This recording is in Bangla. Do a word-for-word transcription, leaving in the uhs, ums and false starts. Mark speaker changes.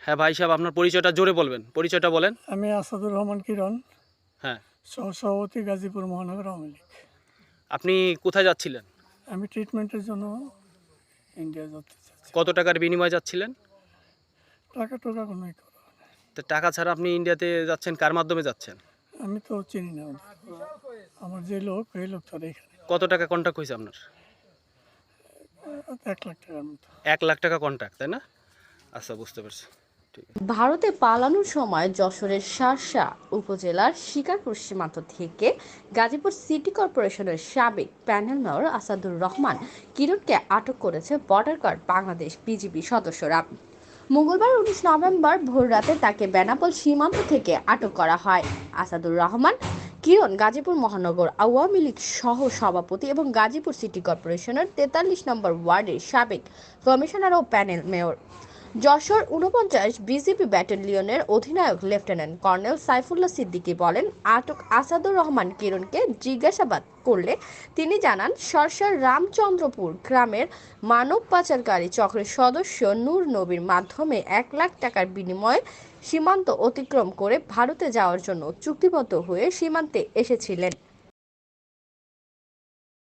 Speaker 1: হ্যাঁ ভাই সাহেব, আপনার পরিচয়টা জোরে বলবেন, পরিচয়টা বলেন।
Speaker 2: আমি আসাদুর রহমান কিরণ,
Speaker 1: হ্যাঁ,
Speaker 2: সহসভাপতি গাজীপুর মহানগর আওয়ামী লীগ।
Speaker 1: আপনি কোথায় যাচ্ছিলেন?
Speaker 2: আমি ট্রিটমেন্টের জন্য ইন্ডিয়া যেতে চাচ্ছি।
Speaker 1: কত টাকার বিনিময়ে যাচ্ছিলেন?
Speaker 2: টাকা টোকা কোনোই করো না।
Speaker 1: তো টাকা ছাড়া আপনি ইন্ডিয়াতে যাচ্ছেন, কার মাধ্যমে যাচ্ছেন?
Speaker 2: আমি তো চিনি না ওদের। আমার যে লোক এই লোক তার এখানে
Speaker 1: কত টাকা কন্ট্যাক্ট হয়েছে আপনার?
Speaker 2: এক লাখ টাকার মতো।
Speaker 1: এক লাখ টাকা কন্ট্যাক্ট, তাই না? আচ্ছা, বুঝতে পারছি। ঠিক আছে।
Speaker 3: ভারতে পালানোর সময় যশোরের শার্শা উপজেলার শিকারপুর সীমান্ত থেকে গাজীপুর সিটি কর্পোরেশনের সাবেক প্যানেল মেয়র আসাদুর রহমান কিরণকে আটক করেছে বর্ডার গার্ড বাংলাদেশ বিজিবি সদস্যরা। মঙ্গলবার উনিশ নভেম্বর ভোররাতে তাকে বেনাপোল সীমান্ত থেকে আটক করা হয়। আসাদুর রহমান কিরণ গাজীপুর মহানগর আওয়ামী লীগ সহ সভাপতি এবং গাজীপুর সিটি কর্পোরেশনের তেতাল্লিশ নম্বর ওয়ার্ডের সাবেক কমিশনার ও প্যানেল মেয়র। যশোর ঊনপঞ্চাশ বিজিবি ব্যাটালিয়নের অধিনায়ক লেফটেন্যান্ট কর্নেল সাইফুল্লাহ সিদ্দিকী বলেন, আটক আসাদুর রহমান কিরণকে জিজ্ঞাসাবাদ করলে তিনি জানান, সরসার রামচন্দ্রপুর গ্রামের মানব পাচারকারী চক্রের সদস্য নূর নবীর মাধ্যমে এক লাখ টাকার বিনিময়ে সীমান্ত অতিক্রম করে ভারতে যাওয়ার জন্য চুক্তিবদ্ধ হয়ে সীমান্তে এসেছিলেন।